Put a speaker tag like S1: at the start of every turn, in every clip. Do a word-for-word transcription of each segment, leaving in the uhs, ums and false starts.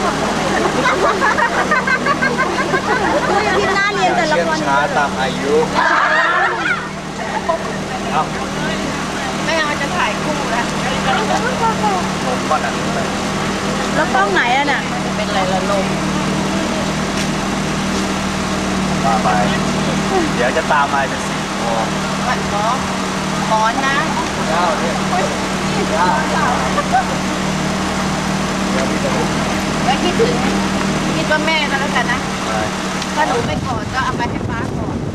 S1: ที่หน้าเรียนแต่ละคน
S2: ช้าตามอายุเอ้า
S3: ไม่เอาจะถ่ายคู่นะ
S2: ผมก่อนอ่ะ
S1: แล้วกล้องไหนอ่ะน่ะ
S3: เป็นอะไรละลม
S2: มาไปเดี๋ยวจะตามมาเป็นสี่โมง
S3: วันหมอหมอนนะ
S2: เก้าเนี่ยเก้าเดี๋ยวพี่จะลุก
S3: แล้วคิดถึงคิดว่าแม่ก็แล้วกันนะถ้าหนูไม่กอดก็เอาไปให้ป้าก่อน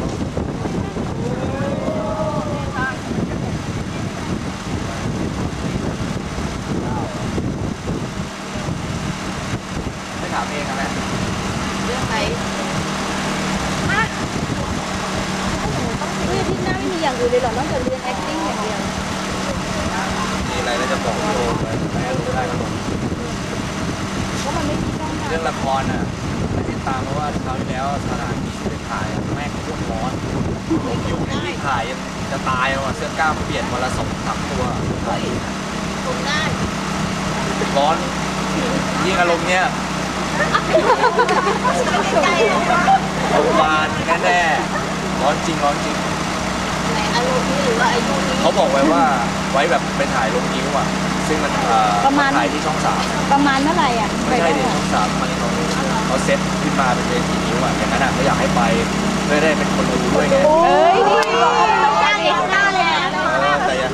S2: ไม่ถามเองนะแม่
S3: เรื่องไหน
S1: เฮ้ยที่หน้าไม่มีอย่างอื่นเลยหรอนอกจากเรียน acting อย่างเดียว
S2: มีอะไรแล้วจะบอกพี่โอเลยแม่รู้ได้ก็บอก
S1: ก็มันไม่มีช่องทาง
S2: เรื่องละครอ่ะไม่ติดตามเพราะว่าคราวที่แล้วสถานที่ที่ไปถ่ายแม่งโคตรร้อนผมอยู่ในที่ถ่ายยังจะตายอ่ะเสื้อกล้ามเปลี่ยนวันละสองสามตัว
S3: ตรงได้
S2: ร้อนยิ่งอารมณ์เนี้ยโรงพยาบาลแน่ๆร้อนจริงร้อนจริง
S3: ไหนอารมณ์นี้หรือว่าอายุนี้
S2: เขาบอกไว้ว่าไว้แบบไปถ่ายลงนิ้วอ่ะซึ่งมันถ่ายที่ช่องสาม
S1: ประมาณเมื่อไหร่อ่ะ
S2: ไม่ใช่ที่ช่องสามมันเขาเขาเซตขึ้นมาเป็นเวทีนิ้วอ่ะอย่างนั้นอ่ะเขาอยากให้ไปเพื่อได้เป็นคนดูด้วยไง
S1: เอ้ยนี่บอกว่าต้องจ้างเอ็กซ์ตร้าเลยนะ
S2: แต่ยัง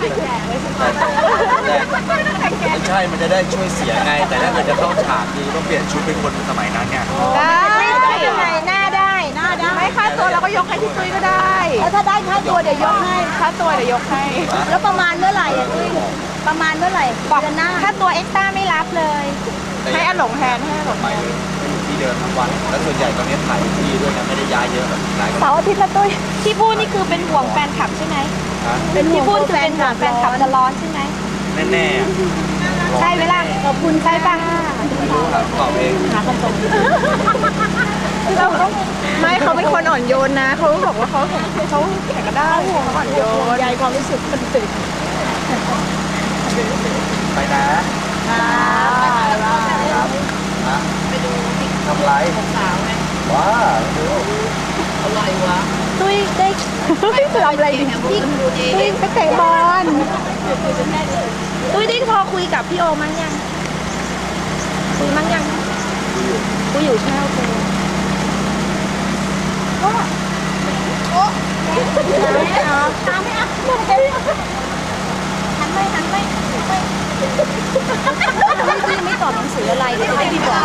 S2: ไม่ใช่มันจะได้ช่วยเสียไงแต่ถ้าเกิดจะเข้าฉากคือต้องเปลี่ยนชุดเป็นคนสมัยนั้นไง
S1: ได้ได้ยังไงหน้าได้หน้าได้
S3: ไม่ค่าตัวเราก็ยกให้พี่ตุ้ยก็ได้
S1: แล้วถ้าได้ค่าตัวเดี๋ยวยกให้
S3: ค่าตัวเดี๋ยวยกให้
S1: แล้วประมาณเมื่อไหร่อ่ะตุ้ยประมาณเมื่อไหร่บอกหน้าค่าตัวเอ็กซ์ตร้าไม่รับเลย
S3: ให้อหลงแทนให้อหลง
S2: ไปเลยที่เดิมทั้งวันแล้วส่วนใหญ่ตอนนี้ถ่ายที่ด้วยนะไม่ได้ย้ายเยอะแบบหลาย
S1: เสาร์อาทิตย์ละตุ้ยที่พูดนี่คือเป็นห่วงแฟนคลับใช่ไหมเป็นที่พูดคือเป็นห่วงแฟนคลับจะร้อนใช่ไหม
S2: แน่
S1: ๆใช่เวลาขอบคุณใช่ป่ะ
S2: ไม่รู้ครับตอบเอง
S1: หาคำตอบ
S3: เราต้องไม่เขาเป็นคนอ่อนโยนนะเขาบอกว่าเขาเขาแข็งกระด้างเขาอ่อนโยน
S1: ใหญ่ความรู้สึกคนตื่น
S2: ไปนะครับนะ
S3: ไปดู
S2: ทำไร
S3: สาวไง
S2: ว้าดู
S3: อร่อยวะ
S1: ตุ้ยได้ทำอะไรดิตุ้ยตุ้ยไปเตะบอลตุ้ยได้พอคุยกับพี่โอมั้งยังคุยมั้งยังคุยอยู่ใช่ไหมโอเคก็โอ้ไม่เอาตามไม่เอาหันไปหันไปไม่ไม่ตอบหนังสืออะไรก็จะได้ดีกว่า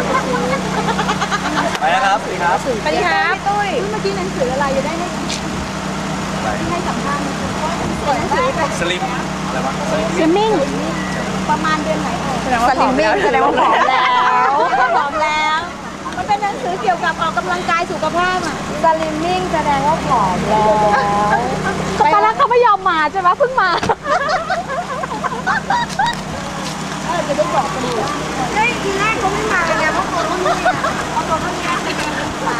S2: ไปนะครับสวัสดีครับ
S1: สวัสดีครับตุ้ยเมื่อกี้หนังสืออะไรจะได้ไม่ให้สัมภาษณ์
S2: สลิมอะไรวะ
S1: สลิมมิ่งประมาณเดือนไหน
S3: แสดงว่าผอมแล้วแสดงว่าผอมแล้ว
S1: ผอมแล้วมันเป็นหนังสือเกี่ยวกับออกกำลังกายสุขภาพอ่ะสลิมมิ่งแสดงว่าผอมแล้วตอนแรกเขาไม่ยอมมาใช่ไหมเพิ่งมาเออจะได้บอกกันดูเฮ้ยทีแรกเขาไม่มาไงเพราะเขาไม่มาเอาตัวเขาเนี่ยไปกันมา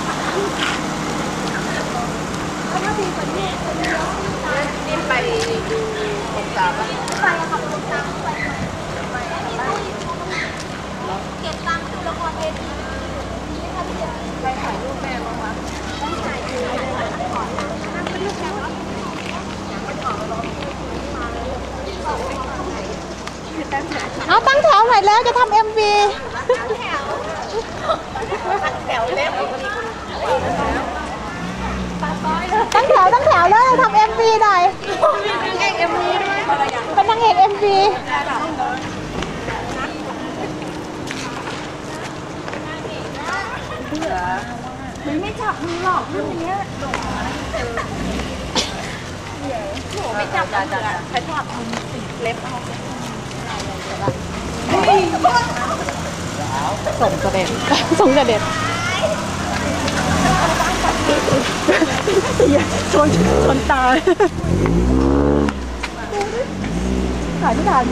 S1: แล้วก็ทีคนนี้
S3: นี่ไปดูผมสาวป่ะ
S1: ไปอะค่ะผมสาวไปไปเก็บตังค์ดูละครเวที
S3: ไปถ่ายรูปแม่บ้างวะ
S1: ต้องถ่ายคือถ่ายถ่ายก่อนนั่งเป็นลูกแก้วเอาตั้งแถวหน่อยแล้วจะทำเอ็มวี
S3: แถวเล็บ
S1: ตั้งแถวตั้งแถวแล้วทำเอ็มวีหน่อยเป็นนางเอกเอ็มวีไม่จับมือหรอกรุ่นนี้
S3: ไม่จับจ้ะจ้ะใช้จับเล็บเอาส่งกระเด็น
S1: ส่งกระเด็นชนชนตายถ่ายไม่ทัน